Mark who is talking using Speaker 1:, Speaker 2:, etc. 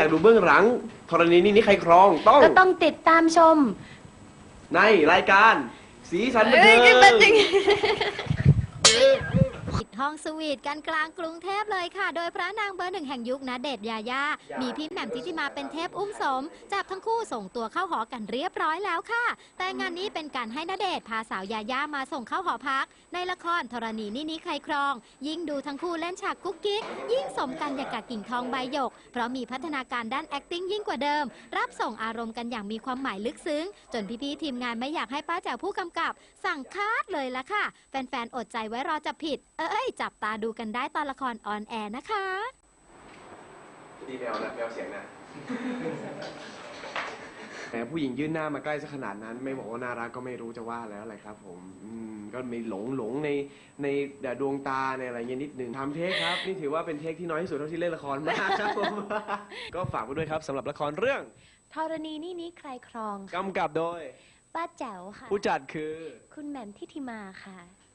Speaker 1: อยากดูเบื้องหลังธรณีนี่ใครครอง
Speaker 2: ก็ต้องติดตามชม
Speaker 1: ในรายการสีสันบันเทิง
Speaker 3: ปิดห้องสวีทกันกลางกรุงเทพเลยค่ะ โดยพระนางเบอร์หนึ่งแห่งยุคณเดชน์ยายามีพี่แหม่มทิติมาเป็นเทพอุ้มสมจับทั้งคู่ส่งตัวเข้าหอกันเรียบร้อยแล้วค่ะ แต่งานนี้เป็นการให้ณเดชน์พาสาวยายามาส่งเข้าหอพักในละครธรณีนี่ใครครองยิ่งดูทั้งคู่เล่นฉากกุ๊กกิ๊กยิ่งสมกันอย่างกับกิ่งทองใบหยกเพราะมีพัฒนาการด้าน acting ยิ่งกว่าเดิมรับส่งอารมณ์กันอย่างมีความหมายลึกซึ้งจนพี่ๆทีมงานไม่อยากให้ป้าแจ๋วผู้กำกับสั่งคัดเลยละค่ะแฟนๆอดใจไว้รอจับผิดจับตาดูกันได้ตอนละครออนแอร์นะคะ
Speaker 1: ดีแมวนะแมวเสียงนะแต่ผู้หญิงยื่นหน้ามาใกล้ซะขนาดนั้นไม่บอกว่าน่ารักก็ไม่รู้จะว่าแล้วอะไรครับผมก็มีหลงในดวงตาในอะไรเงี้ยนิดหนึ่งทำเทคครับนี่ถือว่าเป็นเทคที่น้อยที่สุดเท่าที่เล่นละครมาครับผมก็ฝากไว้ด้วยครับสำหรับละครเรื่อง
Speaker 2: ธรณีนี่ใครครอง
Speaker 1: กำกับโดย
Speaker 2: ป้าแจ๋วค่ะ
Speaker 1: ผู้จัดคือ
Speaker 2: คุณแหม่มทิติมาค่ะ